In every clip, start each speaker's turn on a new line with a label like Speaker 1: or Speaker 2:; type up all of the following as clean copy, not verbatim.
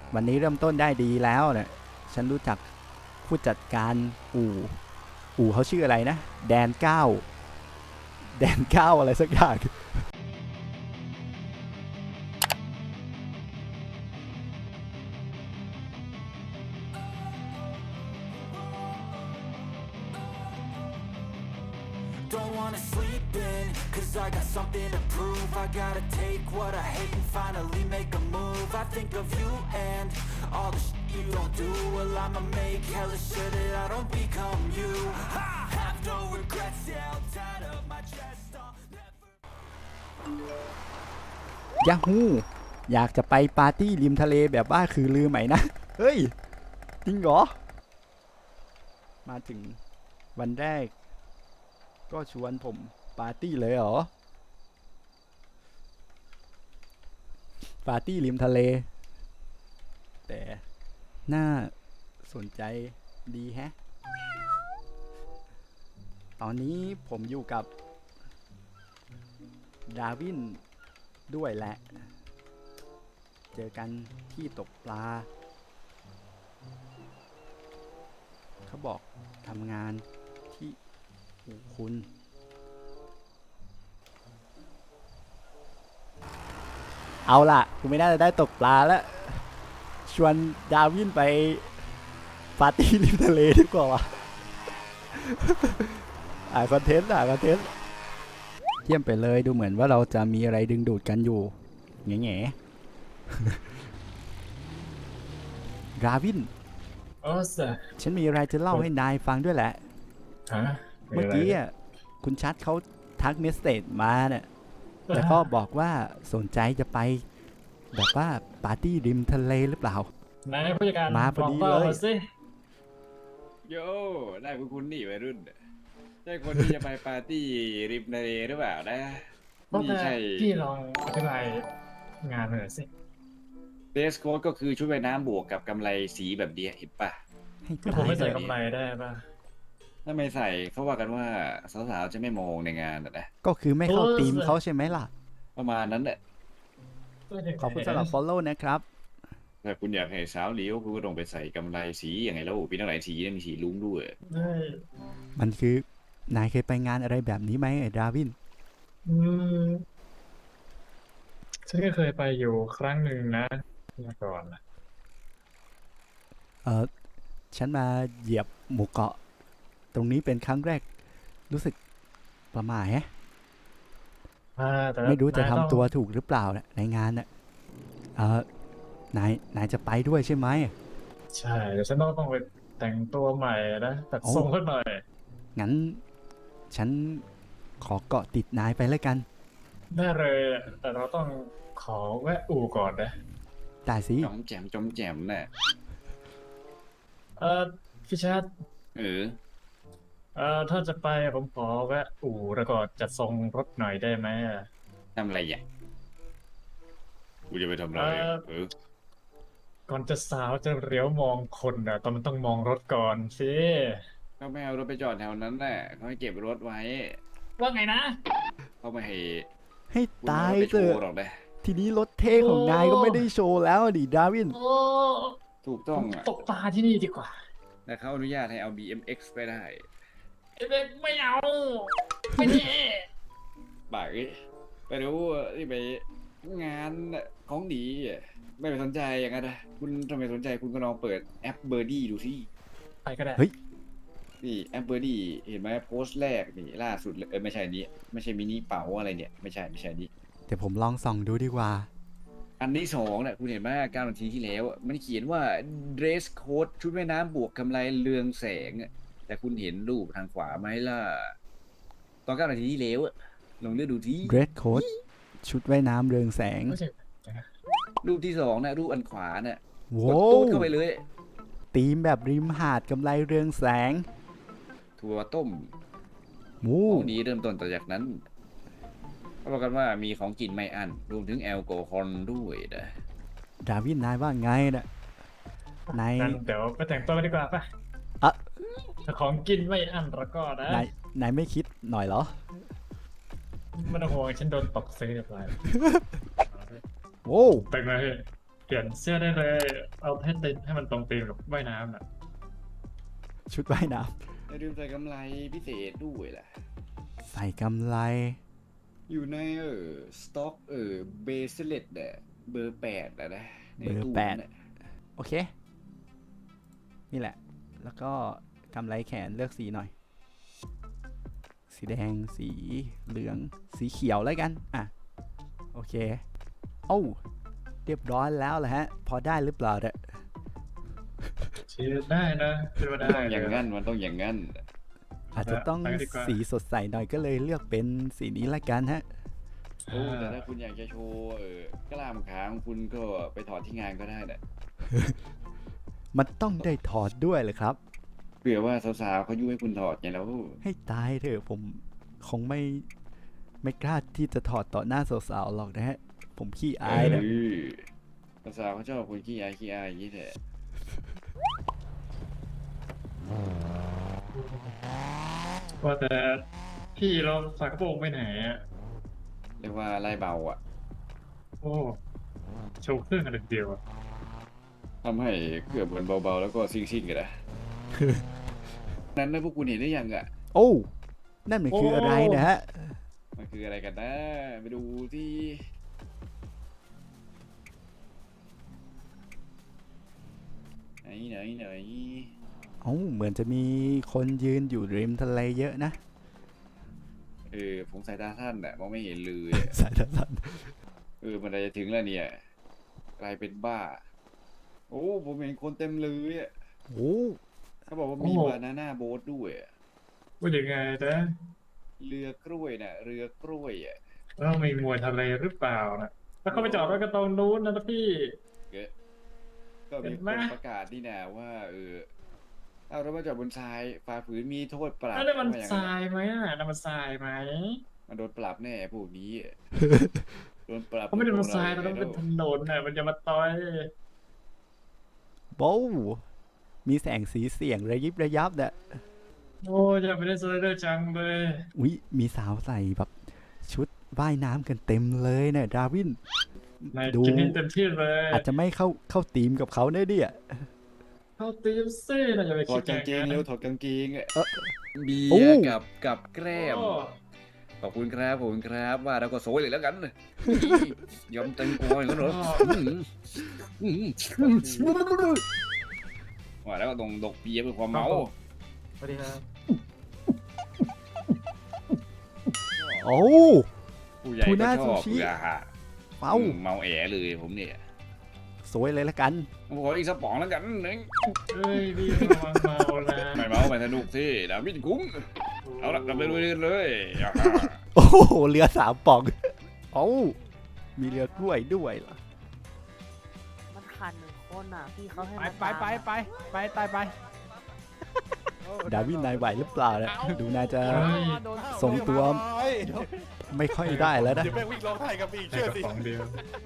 Speaker 1: วันนี้เริ่มต้นได้ดีแล้วเนี่ยฉันรู้จักผู้จัดการอู่เขาชื่ออะไรนะแดนเก้าแดนเก้าอะไรสักอย่าง
Speaker 2: Don't wanna sleep in, cause I got something to prove. I gotta take what I hate and finally make a move. I think of you and all the shit you don't do. Well, I'ma make hella sure that I don't become you. I have no regrets, yeah, I'll tie up my chest. I'll never...
Speaker 1: ยาฮูอยากจะไปปาร์ตี้ริมทะเลแบบว่าคือลือไหมนะ เฮ้ย จริงเหรอ มาถึงวันแรก ก็ชวนผมปาร์ตี้เลยเหรอ ปาร์ตี้ริมทะเล แต่น่าสนใจดีแฮะ ตอนนี้ผมอยู่กับดาวินด้วยแหละ เจอกันที่ตกปลา เขาบอกทำงานที่อู่คุณ เอาล่ะกูไม่น่าจะได้ตกปลาแล้ว ชวนดาวินไปปาร์ตี้ริมทะเลดีกว่าวะ คอนเทนต์เยี่ยมไปเลยดูเหมือนว่าเราจะมีอะไรดึงดูดกันอยู่แง่ๆราวิน
Speaker 3: โอ้สะ
Speaker 1: ฉันมีอะไรจะเล่าให้นายฟังด้วยแหละ
Speaker 3: ฮะ
Speaker 1: เมื่อกี้อ่ะคุณชัดเขาทักเมสเซจมาเนี่ยแล้วก็บอกว่าสนใจจะไปแบบว่าปาร์ตี้ริมทะเลหรือเปล่า
Speaker 3: นายผู้จัดการ
Speaker 1: มาพอดี
Speaker 3: บก
Speaker 1: เลย
Speaker 3: มาสิ
Speaker 4: โย่ได้คุณนี่วัยรุ่นใช่คนที่จะไปปาร์ตี้ริมทะเลหรือเปล่านะ
Speaker 3: เพราะ
Speaker 4: นี่
Speaker 3: แต่
Speaker 4: ใช่
Speaker 3: พี่ลองอธิบายงานหน่อยสิ
Speaker 4: เดรสโค้ดก็คือชุดว่ายน้ำบวกกับกำไรสีแบบเดียเห็นปะ
Speaker 1: ให้
Speaker 3: คือ
Speaker 1: ตา
Speaker 3: ผม
Speaker 1: ย
Speaker 3: ไม่
Speaker 1: เล
Speaker 3: ใส่
Speaker 1: ย
Speaker 3: กำไรได้ป่ะ
Speaker 4: ถ้าไม่ใส่เขาว่ากันว่าสาวๆจะไม่มองในงานนะ
Speaker 1: ก็คือไม่เข้าธีมเขาใช่ไหมล่ะ
Speaker 4: ประมาณนั้นแหละ
Speaker 1: ขอบคุณสำหรับ follow นะครับ
Speaker 4: ถ้าคุณอยากให้สาวเหลียวคุณก็ต้องไปใส่กำไรสีอย่างไงแล้วมีตั้งหลายสีนะมีสีลุ้งด้วย
Speaker 3: ได้
Speaker 1: มันคือนายเคยไปงานอะไรแบบนี้ไหมไอ้ดาวิน
Speaker 3: อืมฉันก็เคยไปอยู่ครั้งหนึ่งนะเมื่อก่อนนะ
Speaker 1: ฉันมาเหยียบหมู่เกาะ ตรงนี้เป็นครั้งแรก รู้สึกประหม่าแฮะ
Speaker 3: แต่
Speaker 1: ไม่รู้จะ
Speaker 3: นาย
Speaker 1: ทำ
Speaker 3: อง
Speaker 1: ตัวถูกหรือเปล่านะในงานน่ะนายจะไปด้วยใช่ไหม
Speaker 3: ใช่เดี๋ยวฉันต้องไปแต่งตัวใหม่นะตัดทรงขึ้นหน่อย
Speaker 1: งั้น ฉันขอเกาะติดนายไปแล้วกัน
Speaker 3: ได้เลยแต่เราต้องขอแวะอู่ก่อนนะ
Speaker 1: ได้สิ
Speaker 4: จอมแจมจอมแจมน่ะ
Speaker 3: พี่ชัด
Speaker 4: เออ
Speaker 3: ถ้าจะไปผมขอแวะอู่แล้วก็จัดทรงรถหน่อยได้ไหมอะ
Speaker 4: ทำอะไรอ่ะกูจะไปทำอะไรเออ
Speaker 3: ก่อนจะสาวจะเหลียวมองคนอ่ะมันต้องมองรถก่อนสิ
Speaker 4: ก็ไม่เอารถไปจอดแถวนั้นแหละเขาให้เก็บรถไว้
Speaker 3: ว่าไงนะ
Speaker 4: เขาไม่ให้
Speaker 1: ให้
Speaker 4: คุณ
Speaker 1: ตาย
Speaker 4: เอารถไป
Speaker 1: เถ
Speaker 4: โช
Speaker 1: อะ
Speaker 4: ว์หรอกนะ
Speaker 1: ทีนี้รถเท่ของนายก็ไม่ได้โชว์แล้วดิดาวิน
Speaker 3: โอ้
Speaker 4: ถูกต้องอ่ะ
Speaker 3: ตกปลาที่นี่ดีกว่า
Speaker 4: แต่เขาอนุญาตให้เอา BMX ไปได้
Speaker 3: ไม่เอา ไม่ดี
Speaker 4: บ่ายไปดูที่ไปงานของดีอะไม่ไปสนใจอย่างนั้นนะคุณทำไมสนใจคุณก็ลองเปิดแอปเบอร์ดี้ดูสิ
Speaker 3: ไปก็ได้
Speaker 1: เฮ้ย
Speaker 4: นี่แอปเบอร์ดี้เห็นไหมโพสต์แรกนี่ล่าสุดเลยไม่ใช่นี้ไม่ใช่มินิเป๋าอะไรเนี่ยไม่ใช่นี้
Speaker 1: เดี๋ยวผมลองส่องดูดีกว่า
Speaker 4: อันที่สองเนี่ยคุณเห็นไหม9 นาทีที่แล้วมันเขียนว่า dress code ชุดว่ายน้ำบวกกำไรเรืองแสงอะแต่คุณเห็นรูปทางขวาไหมล่ะตอน9 นาทีที่แล้วอะลองเลือกดูที่
Speaker 1: Red Coat ชุดว่ายน้ำเรืองแสง
Speaker 3: ไม่ใช่
Speaker 4: รูปที่สองนะรูปอันขวาน่ะก
Speaker 1: โว้
Speaker 4: ด
Speaker 1: ว
Speaker 4: ตูดเข้าไปเลย
Speaker 1: ธีมแบบริมหาดกำไรเรืองแสง
Speaker 4: ถั่วต้ม
Speaker 1: มู
Speaker 4: ของดีเริ่มต้นต่อจากนั้นเขาบอกกันว่ามีของกินไม่อั้นรวมถึงแอลกอฮอล์ด้วยนะ
Speaker 1: ดาวินนายว่าไงนะนาย
Speaker 3: งั้นเดี๋ยวไปแต่งตัวกันดีกว่าป่ะ
Speaker 1: อ่ะ
Speaker 3: ถ้าของกินไม่อั้นแล้วก็นะ
Speaker 1: นายไม่คิดหน่อยเหรอ
Speaker 3: ไมันห่วงฉันโดนตกซื้อเรียบร้อย
Speaker 1: โว้ว
Speaker 3: แต่งมาพี่เปลี่ยนเสื้อได้เลย เอาให้ติดให้มันตรงธีมกับว่ายน้ำน่ะ
Speaker 1: ชุดว่ายน้
Speaker 4: อย่าลืมใส่กำไรพิเศษด้วยล่ะ
Speaker 1: ำใส่กำไร
Speaker 4: อยู่ในสต็อกเบสเลตเนี่ยเบอร์8นะใน
Speaker 1: เบอร์
Speaker 4: ตู้
Speaker 1: แปด
Speaker 4: น่ะ
Speaker 1: โอเค นี่แหละ แล้วก็กำไรแขนเลือกสีหน่อย สีแดง สีเหลือง สีเขียวแล้วกัน อ่ะ โอเค โอ้าเรียบร้อยแล้วแหละฮะ พอได้หรือเปล่าเนี่ย
Speaker 3: เชียร์ได้นะคิดว่า
Speaker 4: มัน
Speaker 3: ได้
Speaker 4: ต้องอย่าง
Speaker 3: เลย
Speaker 4: นั้นมันต้องอย่างนั้น
Speaker 1: อาจจะต้อง
Speaker 3: ไปกันดีกว่า
Speaker 1: สีสดใสหน่อยก็เลยเลือกเป็นสีนี้ละกันฮะ
Speaker 4: โอ้แต่ถ้าคุณอยากจะโชว์กล้ามขาของคุณก็ไปถอดที่งานก็ได้นะ
Speaker 1: มันต้องได้ถอดด้วยเลยครับ
Speaker 4: เผื่อว่าสาวๆเขายุให้คุณถอดไงแล้ว
Speaker 1: ให้ตายเถอะผมคงไม่กล้าที่จะถอดต่อหน้าสาวๆหรอกนะฮะ ผมขี้อายนะ
Speaker 4: สาวๆเขาชอบคนขี้อายอย่างนี้แหละ
Speaker 3: ว่าแต่พี่เราฝากกระโปรงไปไหนอ่ะ
Speaker 4: เรียกว่าไล่เบาอ่ะ
Speaker 3: โอ้โชว์เครื่องกันเดียวอะ
Speaker 4: ทำให้เกือบเหมือนเบาๆแล้วก็ซิ่งๆกันนะ นั้นนะพวกคุณเห็นได้ยังอ่ะ
Speaker 1: โอ้ นั่นมันคืออะไรนะฮะ
Speaker 4: มันคืออะไรกันนะไปดูที่ไหน
Speaker 1: เอ้าเหมือนจะมีคนยืนอยู่ริมทะเลเยอะนะ
Speaker 4: ผมสายตาสั้นอ่ะมองไม่เห็นเลย
Speaker 1: สายตาสั้น
Speaker 4: มันจะถึงแล้วเนี่ยกลายเป็นบ้า โอ้ผมเห็นคนเต็มเลยอ่ะ
Speaker 1: โอ้
Speaker 4: เขาบอกว่ามีบานาน่าโบ๊ทด้วยอะ
Speaker 3: ว่ายังไงนะ
Speaker 4: เรือกล้วยน่ะเรือกล้วยอ่ะ
Speaker 3: แล้วมีมวยทะเลหรือเปล่านะแล้วเขาไปจอดไว้ก็ตรงนู้นนะพี่
Speaker 4: ก็มี
Speaker 3: เห็น
Speaker 4: ค
Speaker 3: ไหม
Speaker 4: นประกาศนี่นะว่าเอารถมาจอดบนทรายฝ่าฝืนมีโทษปรับ
Speaker 3: แล้วมัน
Speaker 4: ว่าอย่าง
Speaker 3: ท
Speaker 4: นั้น
Speaker 3: รายไหมอ่ะนั่นมันทรายไหม
Speaker 4: มันโดนปรับแน่พวกนี้อะโดนปรับ
Speaker 3: เขาไม่ได้มัน
Speaker 4: พวก
Speaker 3: ทรายมันต้องเป็นถนนน่ะมันจะมาต่อย
Speaker 1: โบ้มีแสงสีเสียงระยิบระยับเนี่ย
Speaker 3: โอ้จะไม่ได้สไลเดอร์จังเลย
Speaker 1: อุ๊ย มีสาวใส่แบบชุดว่ายน้ำกันเต็มเลยเนี่ยดาวิน
Speaker 3: นาย
Speaker 1: ดู
Speaker 3: กินให้เต็มที่เลย
Speaker 1: อาจจะไม่เข้าทีมกับเขาเนี่ยเนี่ย
Speaker 3: เข้าตีมซี่นะอย่าไป
Speaker 4: ถอ
Speaker 3: คิ
Speaker 4: ด
Speaker 3: ด
Speaker 4: กางเกง
Speaker 3: อย่
Speaker 4: เร็ว
Speaker 3: นั้น
Speaker 4: ถอดกางเกงอะ เบี
Speaker 1: โอ้
Speaker 4: ยร์กับแกล้ม
Speaker 3: โอ้
Speaker 4: ขอบคุณครับว่าแล้วก็โซยเลยแล้วกันยอมเต็มกอยแล้วเหรอว่าแล้วก็ต้องดกเบียร์เพื่อความเมา
Speaker 3: สวัสดีครับ
Speaker 1: โอ้
Speaker 4: ผู้ใหญ่
Speaker 1: ทู
Speaker 4: ก็
Speaker 1: น่า
Speaker 4: ชอบ
Speaker 1: ซูชิ
Speaker 4: เบื่อฮะ
Speaker 1: เอ้า
Speaker 4: เมาแอเลยผมเนี่ย
Speaker 1: สวยเลยละกัน
Speaker 4: ผมขออีกสักป๋องแล้วกันนึง
Speaker 3: เฮ้ยพี่ระวังเมานะ
Speaker 4: ไม่เมาไม่สนุกสิดาวิดคุ้งเอาละกลับไปเลยอย่าฮะ
Speaker 1: โอ้โหเรือ3ป่องโอ้มีเรือกล้วยด้วยเหรอ
Speaker 5: มันขาดหนึ่งคนอ่ะ พี่เขาให้
Speaker 6: ไป
Speaker 5: มัน
Speaker 6: ไปไป
Speaker 5: ตาม
Speaker 6: ไปไปตายไป
Speaker 1: ดาวินนายไหวหรือเปล่าเนี่ยดูน่าจะ
Speaker 6: โดน
Speaker 1: ทรงตัว ไม่ค่อยได้แล้วนะ
Speaker 6: เดี๋ยวแม่งวิ่งร้องไห้กับพี่
Speaker 3: แค่
Speaker 6: เชื่อก
Speaker 3: ระ
Speaker 6: สิ
Speaker 3: ป๋องเดียว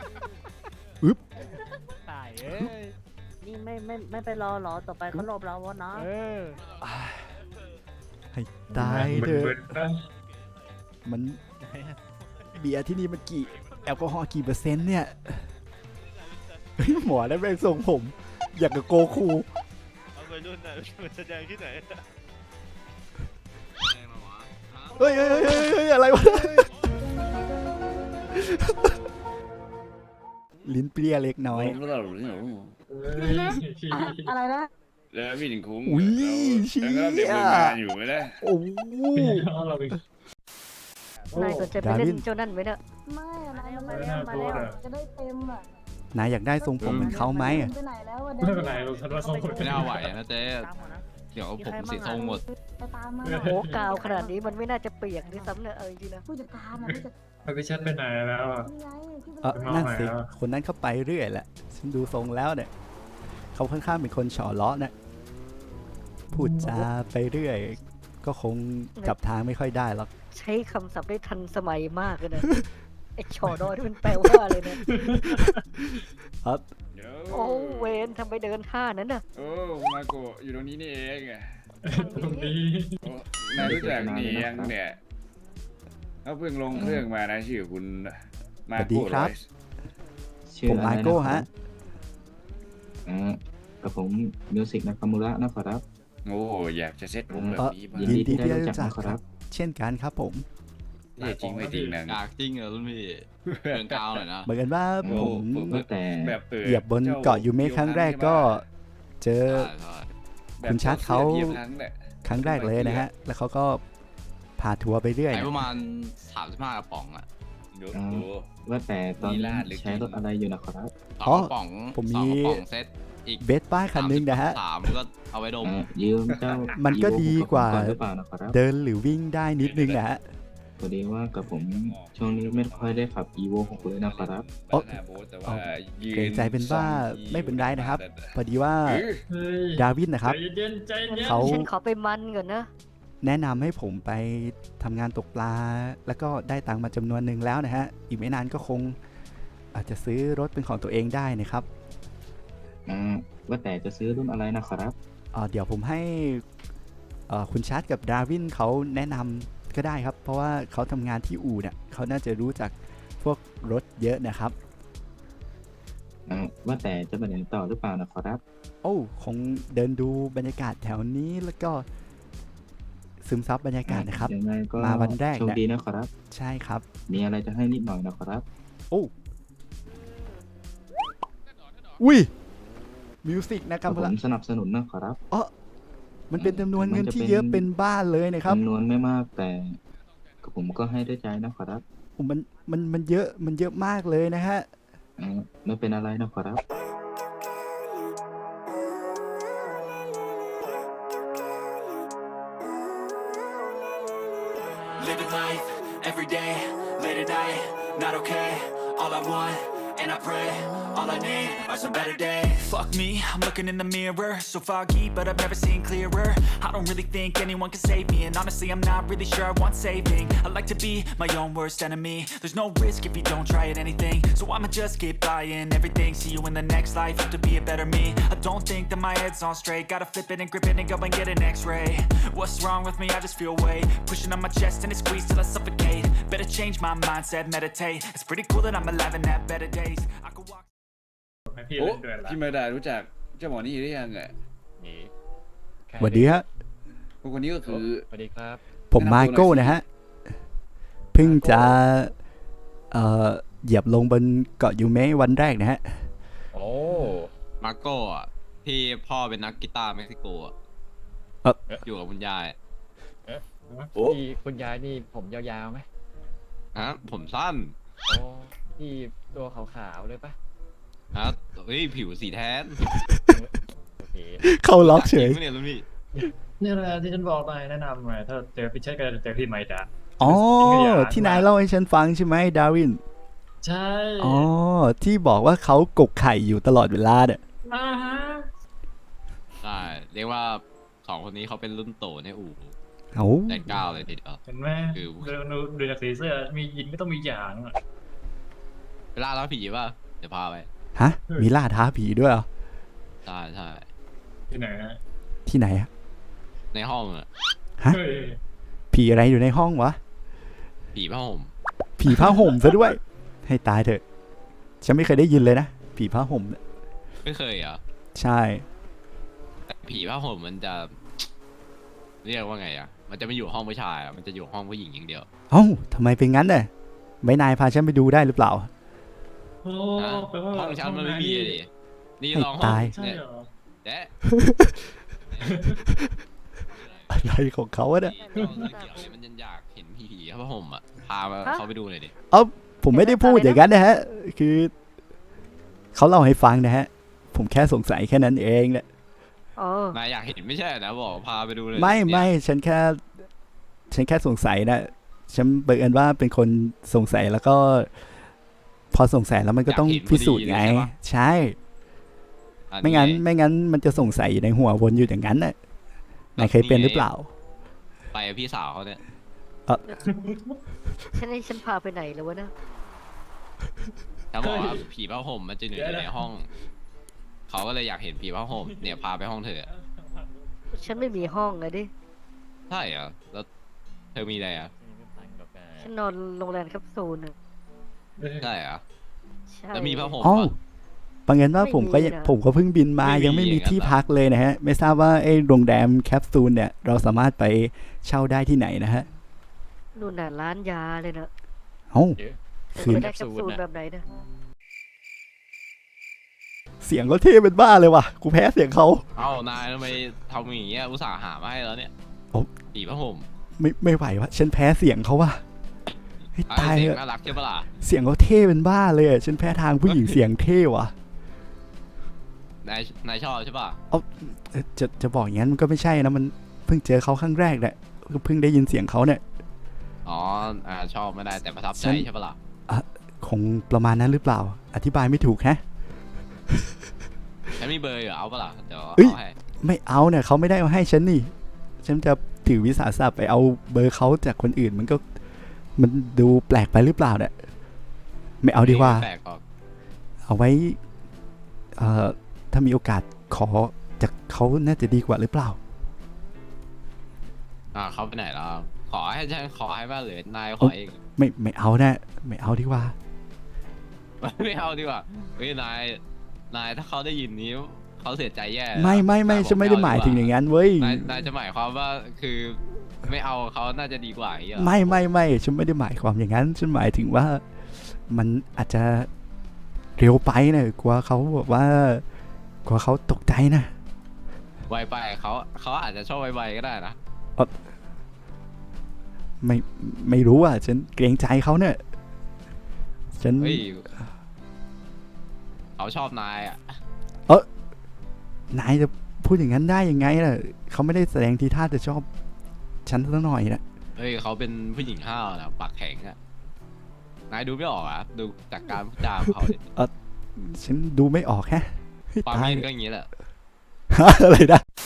Speaker 6: ตายเอ้ย
Speaker 5: นี่ไม่ไปรอเหรอ ต่อไปเขาหลบเราวะนะ
Speaker 6: เออ
Speaker 1: ให้ตายเถอะ
Speaker 3: บึนๆนะ
Speaker 1: มันเบียร์ที่นี่มันกี่แอลกอฮอล์กี่เปอร์เซ็นต์เนี่ยเฮ้ยหมอได้แม่งทรงผม อยากกับโกคู
Speaker 7: เอาไปรุ่นน่ะมันแสดงที่ไหน
Speaker 1: เฮ้ยอะไรวะ ลิ้นเปรี้ยเล็กน้อย
Speaker 3: เฮ้ย
Speaker 5: อะไรนะ
Speaker 4: แล้ววินคุ้ง
Speaker 1: อุ๊ย
Speaker 4: แล้วก็เด็ก
Speaker 1: เชี่ย
Speaker 4: ฝึกงานอยู่ไหมล่ะ
Speaker 1: โอ้โห
Speaker 3: เอาเราไป
Speaker 5: นายสนใจไป
Speaker 1: ดาวิ
Speaker 5: เล่
Speaker 1: น
Speaker 5: นเจ้านั่นไหมเนี่ย
Speaker 8: ไม่อะนาย
Speaker 5: มา
Speaker 8: มา
Speaker 5: แล้
Speaker 8: แล้ว ว
Speaker 5: มา
Speaker 8: มา
Speaker 5: แล้
Speaker 8: แล้ว วจะได้เต็มอ่ะ
Speaker 1: นายอยากได้ทรงผมเหมือนเขาไหมอะ
Speaker 8: ไปไหนแล้วอะ
Speaker 3: ไม่เป็นไรเราทันว่าส่งคน
Speaker 9: ไม่น่าไหวนะเจ๊
Speaker 5: ตามมานะ
Speaker 9: เดี๋ยวผมสีทรงหมด
Speaker 8: ไปตามมา
Speaker 5: โอ้กาวขนาดนี้มันไม่น่าจะเปียกด้วยซ้ำเนี่ยจริงๆนะ
Speaker 8: ผู้จัดการนะผู้จัด
Speaker 3: เอาพี่ชัดไปไหนแล้วอ่ะ
Speaker 8: นี่ไงที่
Speaker 1: เออ
Speaker 3: ไปมอง
Speaker 1: นั่น
Speaker 3: หน่อย
Speaker 1: สิ
Speaker 3: แล้ว
Speaker 1: คนนั้นเข้าไปเรื่อยแหละ ฉันดูทรงแล้วเนี่ย เขาค่อนข้างเป็นคนเฉาะเลาะนะพูดจาไปเรื่อย ก็คงจับทางไม่ค่อยได้หรอก
Speaker 5: ใช้คำศัพท์ได้ทันสมัยมากเลยนะ ไอ้ชอดอยที่มันแปลว่าอะไรเนี่ย
Speaker 1: เออ
Speaker 4: เดี๋ยว
Speaker 5: โอ้เวนทำไมเดินท่านั้นน่ะ
Speaker 4: โอ้มาโกะอยู่ตรงนี้นี่เองอะ
Speaker 3: ตรงนี้
Speaker 4: โอ้นายรู้จักเนียงเนี่ยเขาเพิ่งลงเครื่องมานะชื่อคุณมา
Speaker 1: สวัสดี
Speaker 4: โก้
Speaker 1: ครับ
Speaker 4: อยส์
Speaker 1: ผมมาโก้ฮะ
Speaker 10: กับผมมิวสิกนากามูระนะครับ
Speaker 4: โอ้อยากจะเซ็ตผมแบบนี้บ้าง
Speaker 10: ยิ
Speaker 1: ยิน
Speaker 10: นดี
Speaker 1: ดี
Speaker 10: ที่
Speaker 1: ที่
Speaker 10: ได้
Speaker 1: ได้
Speaker 10: รู้
Speaker 1: รู้
Speaker 10: จั
Speaker 1: จั
Speaker 10: ก
Speaker 1: ก
Speaker 10: นะค
Speaker 1: ค
Speaker 10: รั
Speaker 1: รับ บ เช่นกันครับผม
Speaker 4: เท่จริงไม่จริงนัง
Speaker 9: อยากจริงเหรอรุ่นพี่เดินกาวหน่อยนะ
Speaker 1: เหมือนกันว่า
Speaker 4: โอ้
Speaker 1: ผม
Speaker 10: ว่าแต่
Speaker 4: แบบ
Speaker 1: เหยียบบนเกาะยูเมะครั้งแรกก็เจอ
Speaker 9: ใช่
Speaker 1: คุณชัดเขา
Speaker 4: เหยียบครั้งเนี่ย
Speaker 1: ครั้งแรกเลยนะฮะ แล้วเขาก็พาทัวร์ไปเรื่อย
Speaker 9: ใช้
Speaker 1: นะ
Speaker 9: ประมาณ35กระป๋องอ่ะ
Speaker 4: ดู
Speaker 10: อ่า
Speaker 4: ดู
Speaker 10: ว่าแต่ตอน
Speaker 4: มี
Speaker 10: นี้
Speaker 4: ลาดหรือ
Speaker 10: ใช้รถอะไรอยู่นะครับ
Speaker 9: สองกระป๋อง
Speaker 1: ผม
Speaker 9: สอง
Speaker 1: มี
Speaker 9: กระป๋องเซตอีก
Speaker 1: เบสป้ายคันนึงนะฮะ
Speaker 9: สามก็เอาไว้ดม
Speaker 10: ยืมเจ้า
Speaker 1: มันก็ดีกว่า
Speaker 10: Evo ของผมอนหรือเปล่านะครับ
Speaker 1: เดินหรือวิ่งได้นิดนึงนะฮะ
Speaker 10: พอดีว่ากับผมช่วงนี้ไม่ค่อยได้ขับ Evo 6เลยนะครับ
Speaker 1: โอ๊ะ
Speaker 4: บานาโบ๊ทแต่ว่ายืน
Speaker 1: เกรงใจเป็นบ้า
Speaker 4: สองที
Speaker 1: ไม่เป็นไรนะครับ พอดีว่า
Speaker 4: เออ
Speaker 3: เฮ้ย
Speaker 1: ดาวินนะครับ
Speaker 3: ใจเย็นใจเย็น
Speaker 1: เขา
Speaker 5: ฉันขอไปมันก่อนนะ
Speaker 1: แนะนำให้ผมไปทำงานตกปลา แล้วก็ได้ตังค์มาจำนวนหนึ่งแล้วนะฮะ อีกไม่นานก็คง อาจจะซื้อรถเป็นของตัวเองได้นะครับ
Speaker 10: ว่าแต่จะซื้อรุ่นอะไรนะครับ
Speaker 1: เดี๋ยวผมให้คุณชาร์ตกับดาวินเขาแนะนำก็ได้ครับ เพราะว่าเขาทำงานที่อู่เนี่ยเขาน่าจะรู้จักพวกรถเยอะนะครับ
Speaker 10: ว่าแต่จะไปไหนต่อหรือเปล่านะครับ
Speaker 1: โอ้คงเดินดูบรรยากาศแถวนี้แล้วก็ซึมซับบรรยากาศนะครับ
Speaker 10: ยังไงก็
Speaker 1: มาวันแรก
Speaker 10: โชค
Speaker 1: เนี่ย
Speaker 10: ดีนะครับ
Speaker 1: ใช่ครับ
Speaker 10: มีอะไรจะให้นิดหน่อยนะครับ
Speaker 1: โอ้อุ้ยมิวสิกนะครับ
Speaker 10: ผมสนับสนุนนะครับ
Speaker 1: มันเป็นจำนวนเงินที่เยอะเป็นบ้านเลยนะครับ
Speaker 10: จำนวนไม่มากแต่กับผมก็ให้ด้วยใจนะครับ
Speaker 1: โอ้มันเยอะมากเลยนะฮะ
Speaker 10: ไม่เป็นอะไรนะครับ
Speaker 2: Living life, every day, late at night, not okay. All I want, and I pray, all I need are some better days. Fuck me, I'm looking in the mirror, so foggy, but I've never seen clearer. I don't really think anyone can save me, and honestly, I'm not really sure I want saving. I like to be my own worst enemy. There's no risk if you don't try at anything, so I'ma just keep buying everything. See you in the next life, have to be a better me. I don't think that my head's on straight, gotta flip it and grip it and go and get an x-ray. What's wrong with me? I just feel weight pushing on my chest and it squeezes till I suffocate. Better change my mindset, meditate. It's pretty cool that I'm alive and have better days. I could walk
Speaker 3: ให้พี่
Speaker 4: โอ้
Speaker 3: เล่นด้วยละ
Speaker 4: พี่มาดารู้จักเจ้าหมอนี่หรือยังอ่ะ
Speaker 3: นี่แค่
Speaker 1: สวัสดีฮะ
Speaker 4: คนนี้ก็คือ
Speaker 3: สวัสดีครับ
Speaker 1: ผมมาโก้นะฮะ เพิ่งจะเหยียบลงบนเกาะยูเมะวันแรกนะฮะ
Speaker 3: โอ้
Speaker 9: มาโก้อะที่พ่อเป็นนักกีตาร์เม็กซิโกอะ
Speaker 1: เอ่อ
Speaker 9: อยู่กับคุณยาย
Speaker 3: ที่คุณยายนี่ผมยาวๆไหม
Speaker 9: ฮะผมสั้น
Speaker 3: โอ้ที่ตัวขาวๆเลยปะ
Speaker 9: ฮะเฮ้ยผิวสีแทน
Speaker 3: โอเค
Speaker 1: เข้าล็อกเฉย
Speaker 9: จริงปะเนี่ยรุ่นพี่
Speaker 3: นี่แหละที่ฉันบอกไปแนะนำไงถ้าเจอพี่เชษก็จะเจอพี่ไมดา
Speaker 1: อ๋อ
Speaker 3: จริงก็อย่า
Speaker 1: ที่นายเล่าให้ฉันฟังใช่ไหมดาวิน
Speaker 3: ใช่
Speaker 1: อ๋อ ที่บอกว่าเขากกไข่อยู่ตลอดเวลาเนี่ย
Speaker 3: อ่าฮะ
Speaker 9: ใช่เรียกว่าสองคนนี้เขาเป็นรุ่นโตในอู่
Speaker 1: เอา
Speaker 9: แดนเก้าเลยทีเดียว
Speaker 3: เห็นไหม
Speaker 9: คือ
Speaker 3: ดูจากสีเสื้อมียินก็ต้องมีอย่างอะ
Speaker 9: เวลาแล้วผีป่ะเดี๋ยวพาไป
Speaker 1: ฮะ มีล่าท้าผีด้วยเหรอ
Speaker 9: ใช่ใช่
Speaker 3: ที่ไหนฮะ
Speaker 1: ที่ไหนอะ
Speaker 9: ในห้องอะ
Speaker 1: ฮะ
Speaker 3: เฮ้ย
Speaker 1: ผีอะไรอยู่ในห้องวะ
Speaker 9: ผีผ้าห่ม
Speaker 1: ผีผ้าห่มซะด้วย ให้ตายเถอะ ฉันไม่เคยได้ยินเลยนะ ผีผ้าห่มเนี่ย
Speaker 9: ไม่เคยเหรอ
Speaker 1: ใช่
Speaker 9: แต่ผีผ้าห่มมันจะ เรียกว่าไงอ่ะ มันจะไม่อยู่ห้องผู้ชายอ่ะมันจะอยู่ห้องผู้หญิงอย่างเดียว
Speaker 1: เอ้าทำไมเป็นงั้นน่ะไม่นายพาฉันไปดูได้หรือเปล่า
Speaker 3: โอ้
Speaker 9: นะ
Speaker 3: แปลว่า
Speaker 9: ห้องฉันมันไม่มีเลยดินี่
Speaker 1: ให้
Speaker 9: ลองห้อง
Speaker 1: ตาย
Speaker 3: ใช่
Speaker 9: เนี่ย
Speaker 3: เหรอ
Speaker 9: แจ๊ะ
Speaker 1: อะไรของเขาอะเนี่ย
Speaker 9: นี่ลองเรื่องเกี่ยวเลยมันยังอยากเห็นผีผ้าห่มอ่ะ พาเขาไปดูหน่อยดิ
Speaker 1: ผมไม่ได้พูดอย่างนั้นนะฮะ คือเขาเล่าให้ฟังนะฮะ ผมแค่สงสัยแค่นั้นเองแหละ
Speaker 5: อ๋อ
Speaker 9: นายอยากเห็นไม่ใช่นะบอกพาไปดูเลย
Speaker 1: ไม่
Speaker 9: เนี่ย
Speaker 1: ไม่ฉันแค่สงสัยนะฉันบังเอิญว่าเป็นคนสงสัยแล้วก็ พอสงสัยแล้วมันก็ต้องพิสูจน์ไง ใช่
Speaker 9: อัน
Speaker 1: ไม่
Speaker 9: นี้
Speaker 1: งั้นมันจะสงสัยอยู่ในหัววนอยู่อย่างนั้นน่ะนายเคยเป็นหรือเปล่า
Speaker 9: ไปกับพี่สาวเขาเนี่ย
Speaker 5: ฉันให้ฉันพาไปไหนแล้ววะนะ
Speaker 9: เขาบอกว่าผีผ้าห่มมันจะอยู่ในห้อง เขาก็เลยอยากเห็นผีผ้าห่มเนี่ยพาไปห้องเธอ
Speaker 5: ฉันไม่มีห้องไงดิ
Speaker 9: ใช่เหรอแล้วเธอมีอะไรอ่ะ
Speaker 5: ฉันนอนโรงแรมแคปซูลน่ะ
Speaker 9: ใช่เหรอ
Speaker 5: ใช่
Speaker 9: แล้วมีผ้าห่ม
Speaker 1: อ๋อ
Speaker 9: ปะ
Speaker 1: บังเอิญว่า
Speaker 5: ไม่
Speaker 1: ผมก็
Speaker 5: มีนะ
Speaker 1: ผมก็เพิ่งบินมา
Speaker 9: ไม่มี
Speaker 1: ยังไม่มี
Speaker 9: อย่างนั้น
Speaker 1: ที่
Speaker 9: เหรอ
Speaker 1: พักเลยนะฮะ ไม่ทราบว่าไอ้โรงแรมแคปซูลเนี่ย เราสามารถไปเช่าได้ที่ไหนนะฮะ
Speaker 5: นู่นน่ะร้านยาเลยนะ
Speaker 1: เอ้า
Speaker 5: แต่
Speaker 1: คืน
Speaker 5: ไม่ได้แคปซูลแบบไหนนะ
Speaker 1: เสียงก็เท่เป็นบ้าเลยว่ะ กูแพ้เสียงเขา
Speaker 9: เอ้านายทำไมทำอย่างเงี้ยอุตส่าห์หามาให้แล้วเนี่ย
Speaker 1: โอ้
Speaker 9: ผีผ้าห่ม
Speaker 1: ไม่ไหววะฉันแพ้เสียงเขาว่ะให้
Speaker 9: ไอ้
Speaker 1: ตาย
Speaker 9: เสีย
Speaker 1: เถ
Speaker 9: ง
Speaker 1: อะ
Speaker 9: น่ารักใช่ปะล่ะ
Speaker 1: เสียงเขาเท่เป็นบ้าเลยอะฉันแพ้ทางผู้หญิงเสียงเท่ว่ะ
Speaker 9: นายชอบใช่ปะ
Speaker 1: จะบอกอย่างนั้นมันก็ไม่ใช่นะมันเพิ่งเจอเขาครั้งแรกแหละก็เพิ่งได้ยินเสียงเขาเนี่ย
Speaker 9: อ๋อชอบไม่ได้แต่ประทับใจ
Speaker 1: ฉัน
Speaker 9: ใช่ปะล่ะ
Speaker 1: คงประมาณนั้นหรือเปล่า อธิบายไม่ถูกฮะ
Speaker 9: ฉันมีเบอร์อยู่เอาปะล่ะเดี๋ยว
Speaker 1: เอ้ย
Speaker 9: เอาให้
Speaker 1: ไม่เอาเนี่ยเขาไม่ได้เอาให้ฉันนี่ ฉันจะถือวิสาสะไปเอาเบอร์เขาจากคนอื่นมันดูแปลกไปหรือเปล่าเนี่ยไม่เอาดีกว่า
Speaker 9: แปลกออก
Speaker 1: เอาไว้ถ้ามีโอกาสขอจากเขาน่าจะดีกว่าหรือเปล่า
Speaker 9: เขาไปไหนแล้วขอให้ฉันขอให้บ้างหรือนายขอเอง
Speaker 1: ไม่เอานะไม่เอาดีกว่า
Speaker 9: ไม่เอาดีกว่าเฮ้ยนายถ้าเขาได้ยินนี้เขาเสียใจแย่
Speaker 1: ไม่
Speaker 9: นาย
Speaker 1: ฉันไม่ได้หมายถึงอย่างนั้นเว้ย
Speaker 9: นายจะหมายความว่าคือไม่เอาเขาน่าจะดีกว่าอย่างเงี้ยเหรอ
Speaker 1: ไม่ฉันไม่ได้หมายความอย่างนั้น ฉันหมายถึงว่ามันอาจจะเร็วไปนะกลัวเขาแบบว่ากลัวเขาตกใจนะ
Speaker 9: ไวไปเขาอาจจะชอบไวๆก็ได้นะ
Speaker 1: ไม่รู้อ่ะฉันเกรงใจเขาเนี่ยฉัน
Speaker 9: เฮ้ยเขาชอบนายอ่ะ
Speaker 1: นายจะพูดอย่างนั้นได้ยังไงล่ะเขาไม่ได้แสดงทีท่าจะชอบฉันสักหน่อยนะ
Speaker 9: เฮ้ยเขาเป็นผู้หญิงห้าวนะปากแข็งอ่ะนายดูไม่ออกอ่ะดูจากการพูดจาของเขาดิ
Speaker 1: ฉันดูไม่ออกแฮะเฮ้ย
Speaker 9: ความ
Speaker 1: ตาย
Speaker 9: เย็นก็อย่างนี้แหละ
Speaker 1: อะไรนะ